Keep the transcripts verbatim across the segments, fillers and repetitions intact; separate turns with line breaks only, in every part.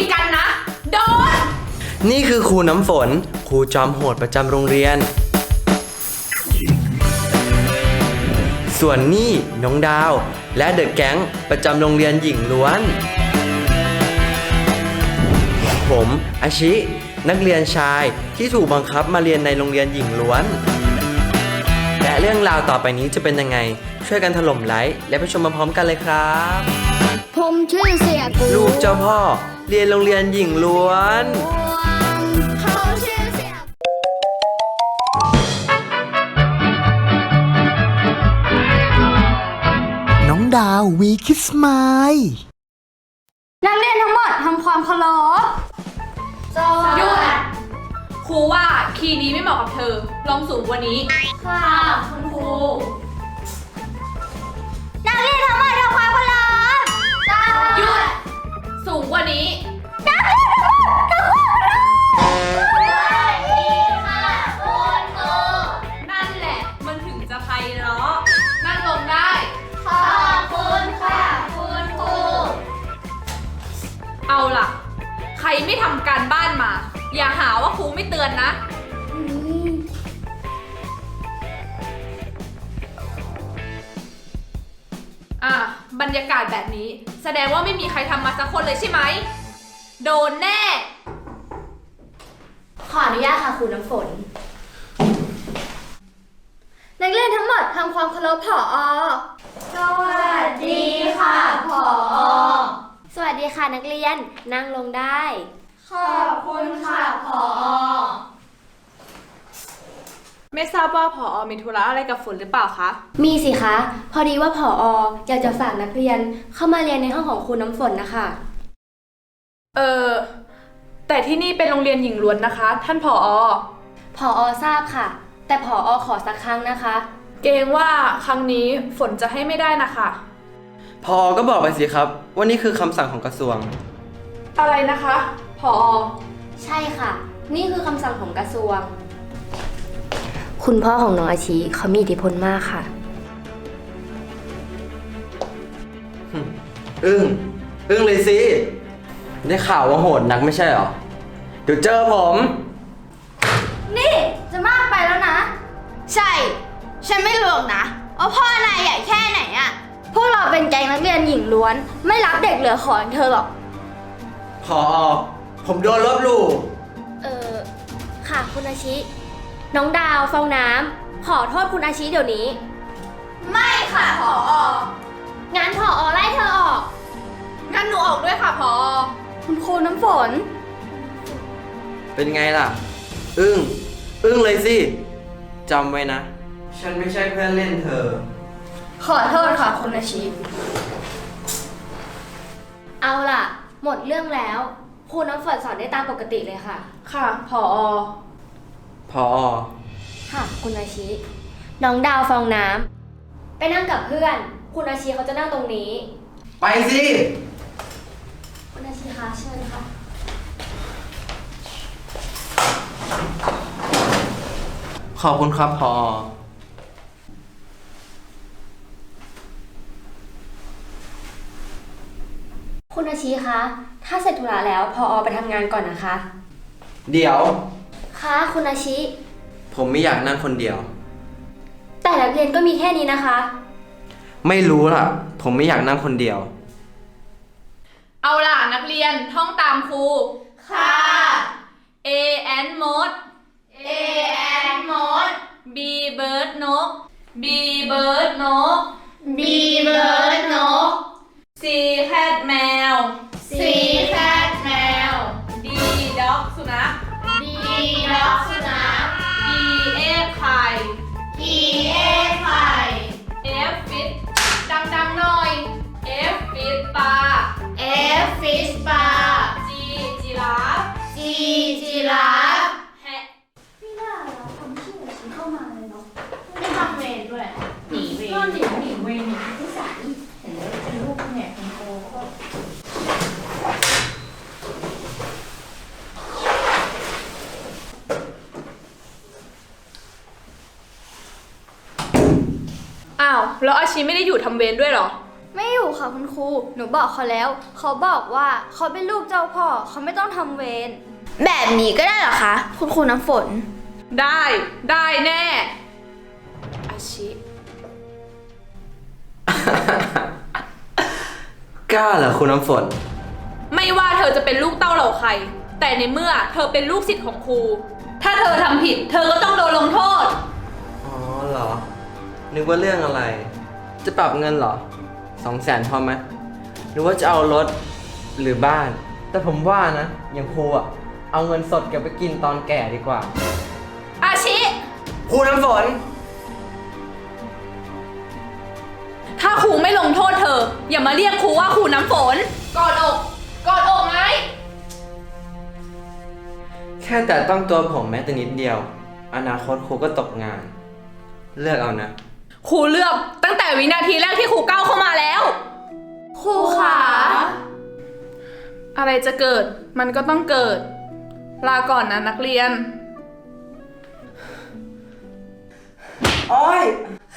กันนะโดน
นี่คือครูน้ำฝนครูจอมโหดประจำโรงเรียนส่วนนี่น้องดาวและเดอะแก๊งประจำโรงเรียนหญิงล้วนผมอาชินักเรียนชายที่ถูกบังคับมาเรียนในโรงเรียนหญิงล้วนและเรื่องราวต่อไปนี้จะเป็นยังไงช่วยกันถล่มไลค์และไปชมพร้อมๆกันเลยครับ
ผมชื่อเสียกู
ลูกเจ้าพ่อเรียนโรงเรียนหญิงล้วน
เขาชื่อเสีย
น้องดาววีคิสไมล์
นักเรียนทั้งหมดทำความเคารพ
หยุดครูว่าคีย์นี้ไม่เหมาะกับเธอลองสูงกว่านี้
ค่ะคุณครูนักเรียนทั้งหมดทำความเคารพ
หยุดสูงกว่านี้
นักเรียนทั้งหมดทำความเคารพสวัสดีค่ะคุณครู
นั่นแหละมันถึงจะไพเราะนั่งลงได้
ขอบคุณค่ะคุณครู
เอาล่ะใครไม่ทำการบ้านมาอย่าหาว่าครูไม่เตือนนะอ่ะบรรยากาศแบบนี้แสดงว่าไม่มีใครทำมาสักคนเลยใช่ไหมโดนแน่
ขออนุญาตค่ะครูน้ำฝนนักเรียนทั้งหมดทำความเคารพผอ.สวัสดีค่ะผอ.สวัสดีค่ะนักเรียนนั่งลงได้ขอบคุณค่ะผอ.
ไม่ทราบว่าผอ.มีธุระอะไรกับฝนหรือเปล่าคะ
มีสิคะพอดีว่าผอ.อยากจะฝากนักเรียนเข้ามาเรียนในห้องของครูน้ำฝนนะคะ
เออแต่ที่นี่เป็นโรงเรียนหญิงล้วนนะคะท่านผอ.
ผอ.ทราบค่ะแต่ผอ.ขอสักครั้งนะคะ
เกรงว่าครั้งนี้ฝนจะให้ไม่ได้นะคะ
พอก็บอกไปสิครับว่านี่คือคำสั่งของกระทรวง
อะไรนะคะผอ.
ใช่ค่ะนี่คือคำสั่งของกระทรวงคุณพ่อของน้องอาชีเขามีอิทธิพลมากค่ะ
อึ้งอึ้งเลยสิได้ข่าวว่าโหดนักไม่ใช่หรอเดี๋ยวเจอผม
นี่จะมากไปแล้วนะใช่ฉันไม่รู้หรอกนะว่าพ่อนายใหญ่แค่ไหนอะพวกเราเป็นแก๊งนักเรียนหญิงล้วนไม่รับเด็กเหลือขออย่างเธอหรอก
พอผมโดนลบหลู่
เออค่ะคุณอาชิน้องดาวฟองน้ำขอโทษคุณอาชิเดี๋ยวนี้ไม่ค่ะผอ.งั้นผอ.ไล่เธอออก
งั้นหนูออกด้วยค่ะผอ.
คุณครูน้ำฝน
เป็นไงล่ะอึ้งอึ้งเลยสิจำไว้นะฉันไม่ใช่เพื่อนเล่นเธอ
ขอโทษค่ะคุณอาชิเอาล่ะหมดเรื่องแล้วครูน้ำฝนสอนได้ตามปกติเลยค่ะ
ค่ะผอ.
พอ
ค่ะคุณอาชิน้องดาวฟองน้ำไปนั่งกับเพื่อนคุณอาชิเขาจะนั่งตรงนี้
ไปสิ
คุณอาชิคะเชิญค่ะ
ขอบคุณครับพอ
คุณอาชิคะถ้าเสร็จธุระแล้วพอไปทำงานก่อนนะคะ
เดี๋ยว
ค่ะคุณอาชิ
ผมไม่อยากนั่งคนเดียว
แต่นักเรียนก็มีแค่นี้นะคะ
ไม่รู้ล่ะผมไม่อยากนั่งคนเดียว
เอาล่ะนักเรียนท่องตามครู
ค่ะ
A and mode
A and mode
B bird นก B bird นก
B bird นก
C cat แมว
C cat แมว
D dog สุนัข
D dog สุนัข
E egg ไข่
E egg ไข่
F fish ดังๆหน่อย F fish ปลา
F fish ปลา
G giraffe
G giraffe
แฮะ
ไม่น่าเราทำชื่อฉันเข้ามาเลยเนาะไม่ทำเวรด้วยหนีเวรก็หนีหนีเวรหนีที่สายเห็นแล้วเป็นลูกแง่ของโกก็
อ้าวแล้วอาชีไม่ได้อยู่ทำเวรด้วยเหรอ
ไม่อยู่ค่ะค่ะคุณครู หนูบอกเขาแล้ว เขาบอกว่าเขาเป็นลูกเจ้าพ่อ เขาไม่ต้องทำเวร แบบนี้ก็ได้เหรอคะ คุณครูน้ำฝน
ได้ได้แน่อาชิ
กล้าเหรอคุณน้ำฝน
ไม่ว่าเธอจะเป็นลูกเต้าเหล่าใคร แต่ในเมื่อเธอเป็นลูกศิษย์ของครู ถ้าเธอทำผิด เธอก็ต้องโดนลงโทษ
อ๋อเหรอ นึกว่าเรื่องอะไร จะปรับเงินเหรอสองแสนพอไหมหรือว่าจะเอารถหรือบ้าน แต่ผมว่านะอย่างครูอะเอาเงินสดเก็บไปกินตอนแก่ดีกว่า
อาชิ
ครูน้ำฝน
ถ้าครูไม่ลงโทษเธอ อย่ามาเรียกครูว่าครูน้ำฝน กอดอก กอดอกไง
แค่แต่ต้องตัวผมแม้แต่นิดเดียว อนาคตครูก็ตกงาน เลือกเอานะ
ครูเลือกตั้งแต่วินาทีแรกที่ครูก้าวเข้ามาแล้ว
ครูขา
อะไรจะเกิด มันก็ต้องเกิด ลาก่อนนะนักเรียน
โอ้ย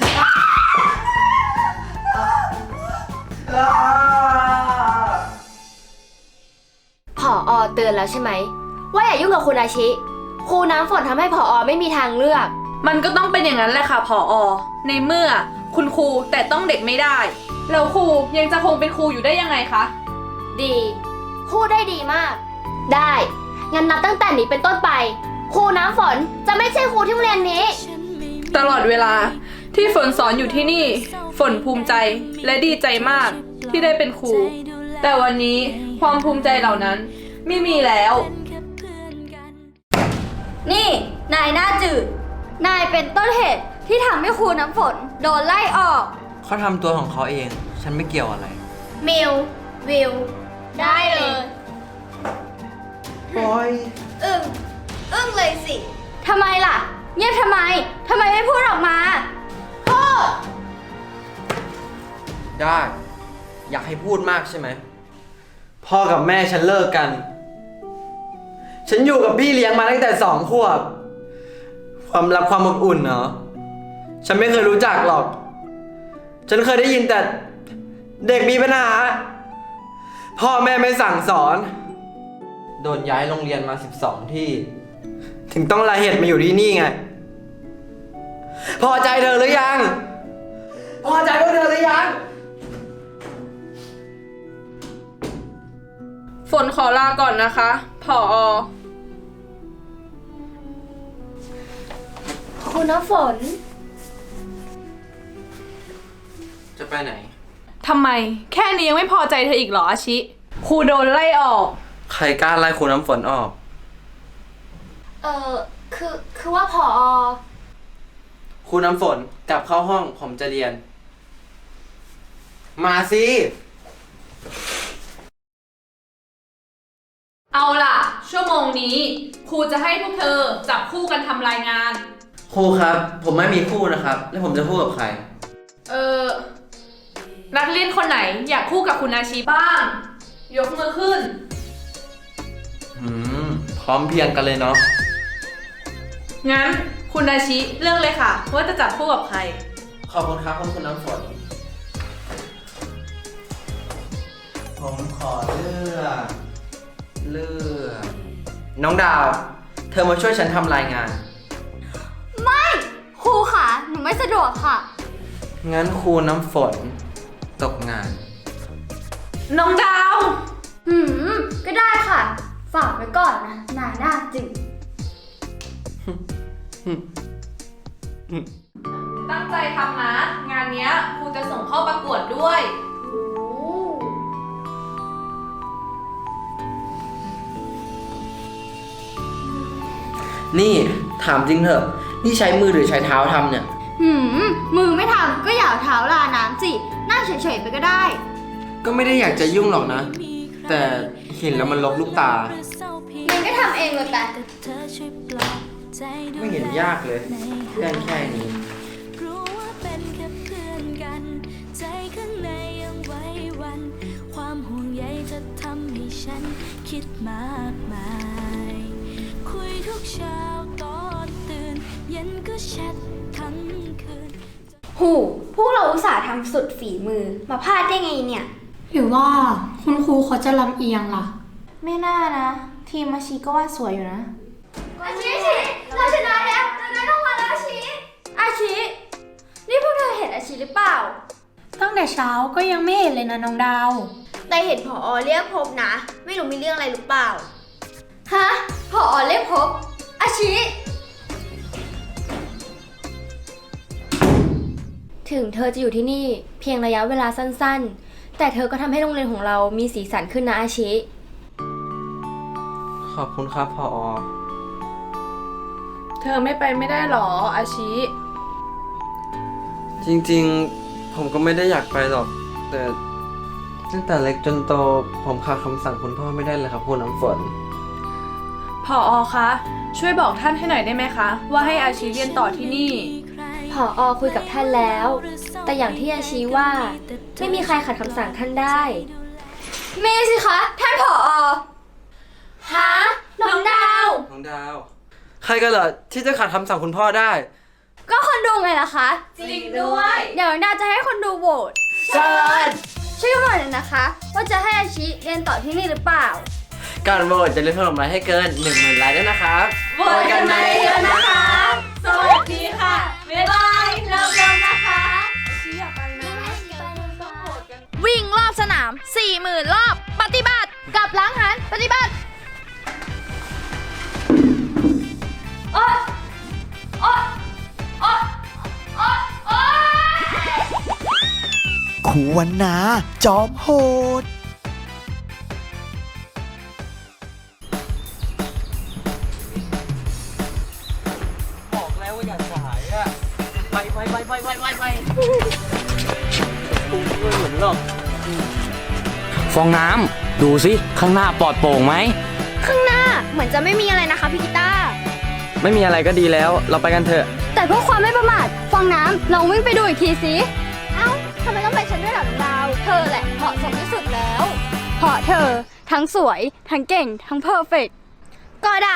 ผออเตือนแล้วใช่ไหม ว่าอย่ายุ่งกับคุณอาชิ ครูน้ำฝนทำให้ผออไม่มีทางเลือก
มันก็ต้องเป็นอย่างนั้นแหละค่ะผออในเมื่อคุณครูแต่ต้องเด็กไม่ได้ แล้วครูยังจะคงเป็นครูอยู่ได้ยังไงคะ
ดีพูดได้ดีมาก ได้ งั้นนับตั้งแต่นี้เป็นต้นไป ครูน้ำฝนจะไม่ใช่ครูที่โรงเรียนนี้
ตลอดเวลาที่ฝนสอนอยู่ที่นี่ ฝนภูมิใจและดีใจมากที่ได้เป็นครู แต่วันนี้ความภูมิใจเหล่านั้นไม่มีแล้ว
นี่นายหน้าจืด นายเป็นต้นเหตุที่ทำให้ครูน้ำฝนโดนไล่ออก
เขาทำตัวของเขาเอง ฉันไม่เกี่ยวอะไร
มิว วิว ได้เลย
โอ้ย
อึ้ง อึ้งเลยสิ ทำไมล่ะ เงียบทำไม ทำไมไม่พูดออกมาพูด
ได้ อยากให้พูดมากใช่ไหม พ่อกับแม่ฉันเลิกกัน ฉันอยู่กับพี่เลี้ยงมาตั้งแต่สองขวบ ความรักความอบอุ่นเนาะฉันไม่เคยรู้จักหรอก ฉันเคยได้ยินแต่เด็กมีปัญหา พ่อแม่ไม่สั่งสอน โดนย้ายโรงเรียนมาสิบสองที่ ถึงต้องลาเหตุมาอยู่ที่นี่ไง พอใจเธอหรือยัง พอใจพวกเธอหรือยัง
ฝนขอลาก่อนนะคะผออ
ครูน้ำฝน
จะไปไหน
ทำไมแค่นี้ยังไม่พอใจเธออีกเหรออาชิ ครูโดนไล่ออก
ใครกล้าไล่ครูน้ำฝนออก
เออคือ คือว่าผอ
ครูน้ำฝนกลับเข้าห้องผมจะเรียน มาสิ
เอาล่ะ ชั่วโมงนี้ ครูจะให้พวกเธอจับคู่กันทำรายงาน
ครูครับ ผมไม่มีคู่นะครับ แล้วผมจะคู่กับใคร
เออนักเรียนคนไหนอยากคู่กับคุณอาชีบ้าง ยกมือขึ้น
หืม พร้อมเพรียงกันเลยเนาะ
งั้นคุณอาชิเลือกเลยค่ะว่าจะจับคู่กับใคร
ขอบคุณครับคุณคุณน้ำฝน ผมขอเลือกเลือกน้องดาว เธอมาช่วยฉันทำรายงาน
ไม่ ครูค่ะ หนูไม่สะดวกค่ะ
งั้นครูน้ำฝนตกงาน
น้องดาว
หืม ก็ได้ค่ะ ฝากไว้ก่อนนะ นายหน้าจืด
ตั้งใจทำนะ งานเนี้ยครูจะส่งเข้าประกวดด้วย
นี่ถามจริงเถอะ นี่ใช้มือหรือใช้เท้าทำเนี่ย
หืม มือไม่ทำก็อย่าเอาเท้าลาน้ำสิ นั่งเฉยๆไปก็ได้
ก็ไม่ได้อยากจะยุ่งหรอกนะ แต่เห็นแล้วมันลบลูกตา
มันก็ทำเองเลยแต่
ไม่เห็นยากเลยเรื่องแค่นี้
รู้ว่าเป็นแค่เพื่อนกัน ใจข้างในยังไหวหวัน ความห่วงใยจะทำให้ฉันคิดมากมาย คุยทุกเช้าตอนตื่น เย็นก็แชททั้งคืน
หูพวกเราอุตส่าห์ทำสุดฝีมือมาพลาดได้ไงเนี่ย
หรือว่าคุณครูเขาจะลำเอียงล่ะ
ไม่น่านะ ทีมอาชีก็ว่าสวยอยู่นะ
อาชิอาชิเราชนะแล้วเราได้รางวัลแล้วอาชิอาชินี่พวกเธอเห็นอาชิหรือเปล่า
ตั้งแต่เช้าก็ยังไม่เห็นเลยนะน้องดาว
แต่เห็นผอเรียกพบนะ ไม่รู้มีเรื่องอะไรหรือเปล่า ฮะผอเรียกพบอาชิถึงเธอจะอยู่ที่นี่เพียงระยะเวลาสั้นๆ แต่เธอก็ทำให้โรงเรียนของเรามีสีสันขึ้นนะอาชิ
ขอบคุณครับพอ
เธอไม่ไปไม่ได้หรออาชิ
จริงๆ ผมก็ไม่ได้อยากไปหรอก แต่ตั้งแต่เล็กจนโต ผมขาดคำสั่งคุณพ่อไม่ได้เลยครับคุณน้ำฝน
ผอคะ ช่วยบอกท่านให้หน่อยได้ไหมคะ ว่าให้อาชิเรียนต่อที่นี่
ผอคุยกับท่านแล้ว แต่อย่างที่อาชีว่าไม่มีใครขัดคำสั่งท่านได้มีสิคะ ท่านผอฮะน้องดาว
น้องดาว ใครกันเหรอที่จะขัดคำสั่งคุณพ่อได้
ก็คนดูไงล่ะคะ
จริงด้วย
เดี๋ยวน้องดาวจะให้คนดูโหวต
เชิญ
ช่วยกันหน่อยนะคะ ว่าจะให้อาชิเรียนต่อที่นี่หรือเปล่า
การโหวตจะเล่นถล่มไลค์ให้เกิน หนึ่งหมื่น ไลค์ด้วยนะครับ
โหวตกันมาเยอะๆนะคะ สวัสดีค่ะ บ๊ายบายเราเริ่มนะคะอาชิอย่าไปนะต้องโหวตกัน
วิ่งรอบสนาม สี่หมื่น รอบ ปฏิบัติ
กลับหล้างหันปฏิบัติโอ๊ยโอ๊ยโอ๊ยโอ๊ยโอ๊ย
ครูวันนาจอมโหด
บอกแล้วว่าอย่าสายอะไปไปไปไปไปไปไปกูไม่เหมือนหรอก
ฟองน้ำดูสิข้างหน้าปลอดโปร่งไหม
ข้างหน้าเหมือนจะไม่มีอะไรนะคะพี่กีตาร์
ไม่มีอะไรก็ดีแล้ว เราไปกันเถอะ
แต่เพื่อความไม่ประมาทฟองน้ำลองวิ่งไปดูอีกทีสิ เอ้าทำไมต้องไปฉันด้วยล่ะน้องดาว เธอแหละเหมาะสมที่สุดแล้ว เพราะเธอทั้งสวย ทั้งเก่ง ทั้งเพอร์เฟกต์ก็ได้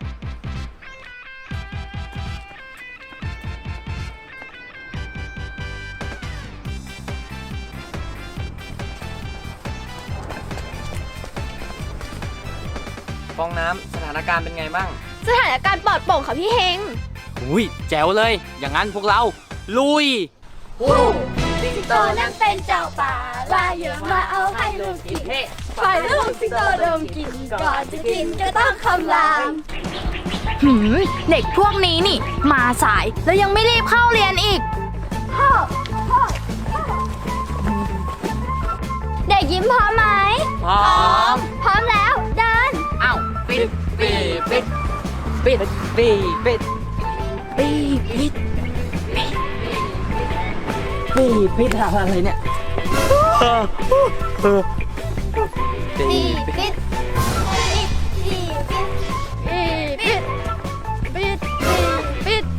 ฟองน้ำสถานการณ์เป็นไงบ้าง
สถานการณ์ปลอดโปร่งค่ะพี่เฮง
อุ้ยแจ๋วเลย อย่างนั้นพวกเรา ลุย
สิงโตนั่นเป็นเจ้าป่าลายเยอะมาเอาให้ลูกกินฝ่ายลูกสิงโตดมกินก่อนจะกินก็ต้องคำราม
หืม เด็กพวกนี้นี่ มาสายแล้วยังไม่รีบเข้าเรียนอีก
พ่อพ่อพ่อเด็กยิ้มพร้อมไหม
พร้อม
พร้อมแล้วเดิน
อ้าวปิดปิดปิดปิดปิดปิดปิดปิดปิดปิดปิดอะไรเนี่ย
ปีปิดปีปิดปีปิดปีปิด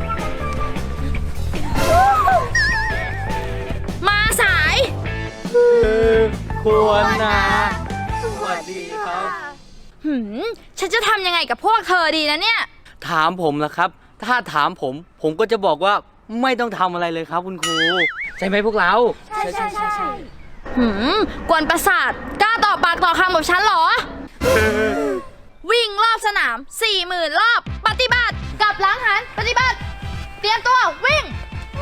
มาสาย
ควรนะ สวัสดีครับ
หืม ฉันจะทำยังไงกับพวกเธอดีนะเนี่ย
ถามผมล่ะครับ ถ้าถามผม ผมก็จะบอกว่าไม่ต้องทำอะไรเลยครับคุณครู ใช่ไหมพวกเรา
ใช่ใช่ใช่ใช่
หืม กวนประสาท กล้าต่อปากต่อคำกับฉันเหรอ วิ่งรอบสนาม สี่หมื่น รอบ ปฏิบัติ กลับหล้างหัน ปฏิบัติ เตรียมตัว วิ่ง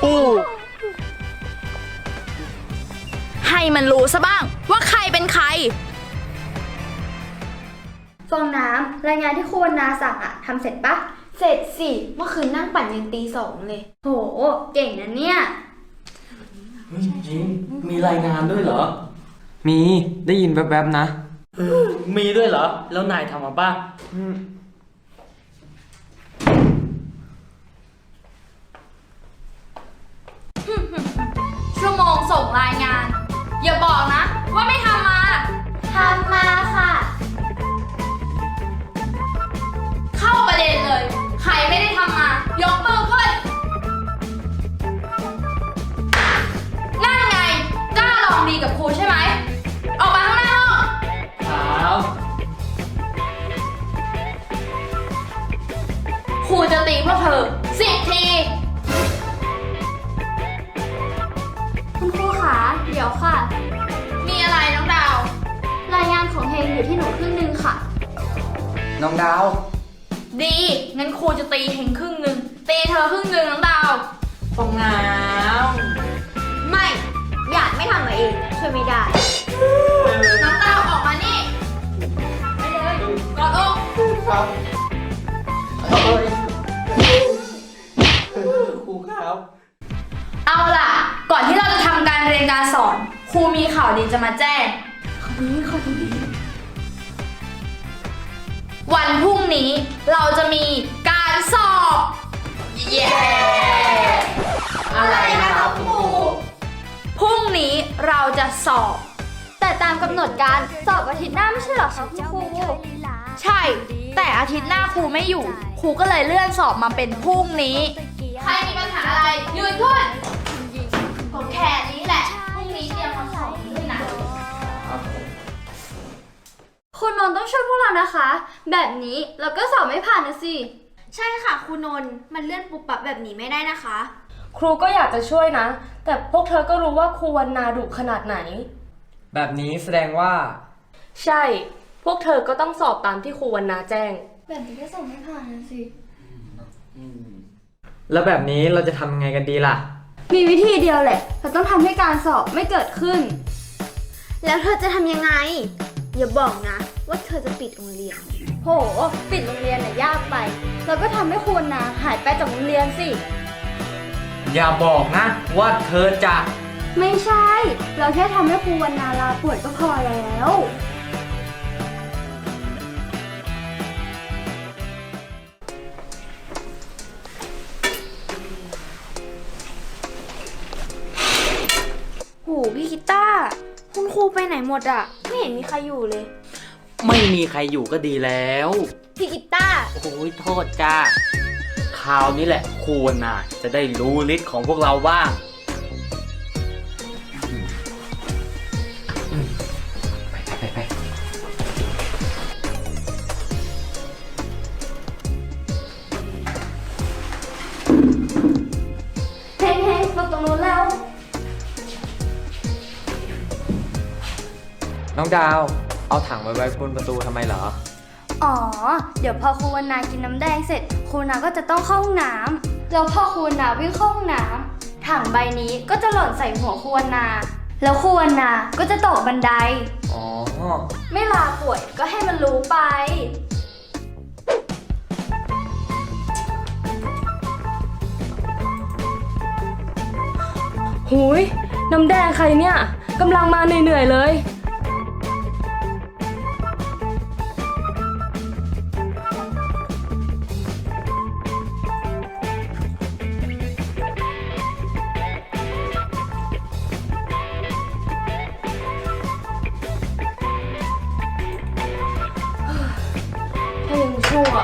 ให้มันรู้ซะบ้างว่าใครเป็นใคร
ฟองน้ำรายงานที่ครูวรรณาสั่งอะทำเสร็จปะเสร็จสิ เมื่อคืนนั่งปั่นยันตีสองเลย โห เก่งนะเนี่ย
จริง มีรายงานด้วยเหรอ
มีได้ยินแวบๆนะ
มีด้วยเหรอ แล้วนายทำมาป่ะ
ชั่วโมงส่งรายงาน อย่าบอกนะ ว่าไม่ทำมา
ทำมาค่ะ
เข้าประเด็นเลย ใครไม่ได้ทำมา ยกมือขึ้น นั่นไง กล้าลองดีกับครูใช่ไหม ออกมาข้างหน้าห้อง
ครับ
ครูจะตีพวกเธอสิบที
นอยู่ที่หนูครึ่งหนึงค่ะ
น้องดาว
ดี งั้นครูจะตีเฮงครึ่งหนึ่ง ตีเธอครึ่งหนึ่งน้องดาว
ฟองน้
ไม่ อยากไม่ทำมาเอง ช่วยไม่ได้
น้องดาวออกมานี่ไปเลยกอดอก
ครับครูครับ
เอาล่ะ ก่อนที่เราจะทำการเรียนการสอน ครูมีข่าวดีจะมาแจ้ง วันพรุ่งนี้เราจะมีการสอบ เย้
อะไรนะครับครู
พรุ่งนี้เราจะสอบ
แต่ตามกำหนดการสอบอาทิตย์หน้าไม่ใช่เหรอคะคุณครู
ใช่ แต่อาทิตย์หน้าครูไม่อยู่ ครูก็เลยเลื่อนสอบมาเป็นพรุ่งนี้ ใครมีปัญหาอะไร ยืนขึ้นผมแค่นี้แหละ พรุ่งนี้เตรียมมาสอบด้วยนะ
คุณนนท์ต้องช่วยพวกเรานะคะ แบบนี้เราก็สอบไม่ผ่านนะสิ ใช่ค่ะคุณนนท์มันเลื่อนปุบปับแบบนี้ไม่ได้นะคะ
ครูก็อยากจะช่วยนะ แต่พวกเธอก็รู้ว่าครูวันนาดุขนาดไหน
แบบนี้แสดงว่า
ใช่ พวกเธอก็ต้องสอบตามที่ครูวันนาแจ้ง
แบบนี้ก็สอบไม่ผ่านนะสิ
แล้วแบบนี้เราจะทำยังไงกันดีล่ะ
มีวิธีเดียวแหละ เราต้องทำให้การสอบไม่เกิดขึ้น แล้วเธอจะทำยังไง อย่าบอกนะ ว่าเธอจะปิดโรงเรียน โห ปิดโรงเรียนน่ะยากไป เราก็ทำให้คุณนะหายไปจากโรงเรียนสิ
อย่าบอกนะ ว่าเธอจะ
ไม่ใช่ เราแค่ทำให้ครูวันนาลาป่วยก็พอแล้ว โห พี่กิต้าร์คุณครูไปไหนหมดอะไม่เห็นมีใครอยู่เลย
ไม่มีใครอยู่ก็ดีแล้ว
พี่กิต้าร์
โอ้ยโทษจ้าคราวนี้แหละครูน่ะจะได้รู้ฤทธิ์ของพวกเราบ้างไปไปไป
เฮ้งเฮ้งตรงตรงนู้นแล้ว
น้องดาว เอาถังไว้ไว้บนประตูทำไมเหรอ
อ๋อ เดี๋ยวพอครูวันนากินน้ำแดงเสร็จ ครูนาก็จะต้องเข้าห้องน้ำแล้วพอครูนาวิ่งเข้าห้องน้ำถังใบนี้ก็จะหล่นใส่หัวครูวันนา แล้วครูวันนาก็จะตกบันได
อ๋อ
ไม่ลาป่วยก็ให้มันรู้ไป
หุยน้ำแดงใครเนี่ยกำลังมาเหนื่อยๆเลย ถ้ายังชั่ว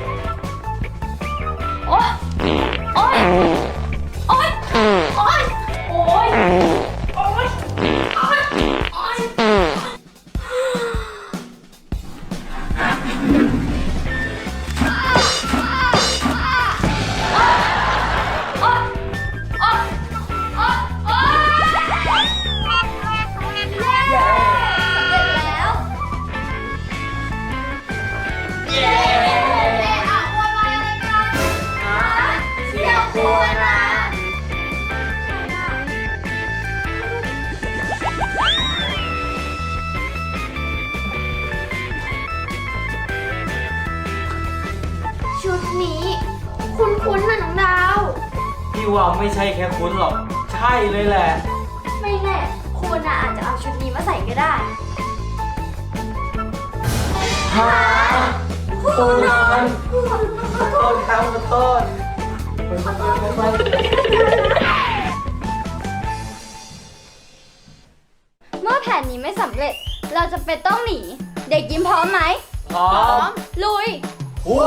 โอ๊ย โอ๊ย โอ๊ย โอ๊ย โอ๊ย โอ๊ย โอ๊ย โอ๊ย
ชุดนี้ คุ้นๆนะน้องดาว
พี่ว่าไม่ใช่แค่คุณหรอก ใช่เลยแหละ
ไม่แน่ครูนาอาจจะเอาชุดนี้มาใส่ก็ได้
ฮะโอ้นอนขอโทษครับขอโทษ
เมื่อแผนนี้ไม่สำเร็จ เราจะเป็นต้องหนี เด็กยิ้มพร้อมไหม
พร้อม
ลุย
อู้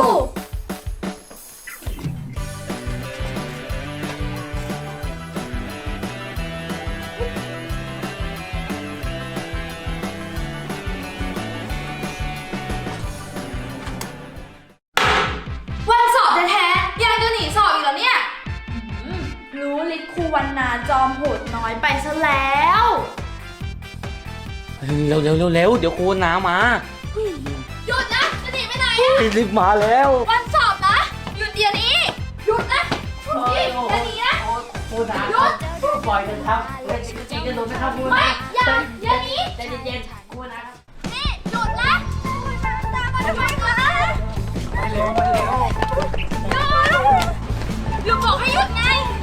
วันสอบแท้ๆยังจะหนีสอบอีกเหรอเนี่ยอืมรู้ฤทธิ์ครูวันนาจอมโหดน้อยไปซะแล้ว
เร็วเร็วเร็วเร็วเดี๋ยวครูน้ามา
หยุดนะ จะหนีไปไหน
รีบมาแล้ว
วันสอบนะ หยุดเดี๋ยวนี้ หยุดนะหยุดดิอย่าหนีนะ
ครูน้า
หยุด
ปล่อยกันครับจริงกันโดนนะครับครู
ไม่
น้า
อย่าอย่าหนี
ใจเย็นๆครูนะครับ
นี่หยุดนะตามมาทำไมก่อนนะ
ไปเร็วไปเร็ว
หยุดหยุดบอกให้หยุดไง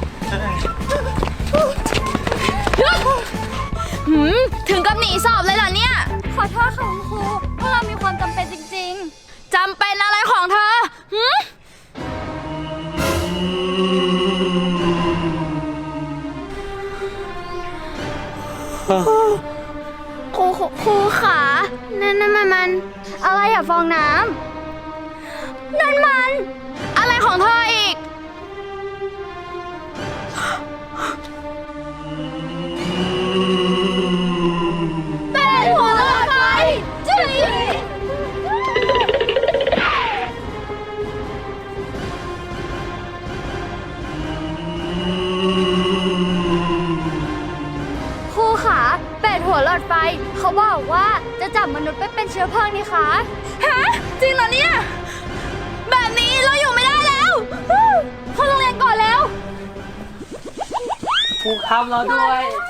หยุดหืมถึงกับหนีสอบเลยเหรอเนี่ย
ขอโทษค่ะคุณครูพวกเรามีความจำเป็นจริง
จำเป็นอะไรของเธอหืม
ๆ ครูครูขานั่นนั่นมันมัน อะไรอะฟองน้ำนั่นมัน
อะไรของเธออีก
เป็นหัวเราะไฟจุ๊ยครูขาเป็ดหัวหลอดไฟ เขาบอกว่าจะจับมนุษย์ไปเป็นเชื้อเพลิงนี่คะ
ฮะ จริงเหรอเนี่ย แบบนี้เราอยู่ไม่ได้แล้วเข้าโรงเรียนก่อนแล้ว
ครูครับรอด้วย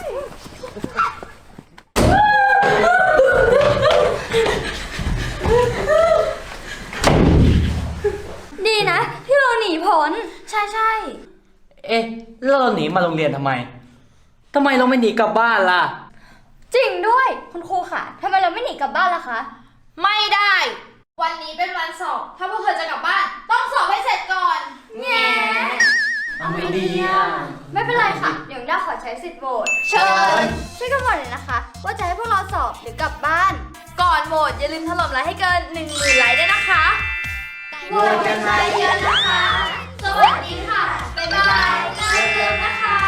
ดีนะ ที่เราหนีพ้นใช่ใช่
เอ๊ะแล้วเราหนีมาโรงเรียนทำไมทำไมเราไม่หนีกลับบ้านล่ะ
จริงด้วยคุณครูค่ะทำไมเราไม่หนีกลับบ้านล่ะคะ
ไม่ได้ วันนี้เป็นวันสอบ ถ้าพวกเธอจะกลับบ้าน ต้องสอบให้เสร็จก่อน
แง่
เอาไม่ดีอ่ะ
ไม่เป็นไรค่ะ เดี๋ยวด้าขอใช้สิทธิ์โหวต
เชิญ
ช่วยกันโหวตหน่อยนะคะ ว่าจะให้พวกเราสอบหรือกลับบ้าน
ก่อนโหวตอย่าลืมถล่มไลค์ให้เกินหนึ่งหมื่นไลค์ด้วยนะคะ
โหวตกันมาเยอะนะคะ สวัสดีค่ะ บ๊ายบายน่าเรียนนะคะ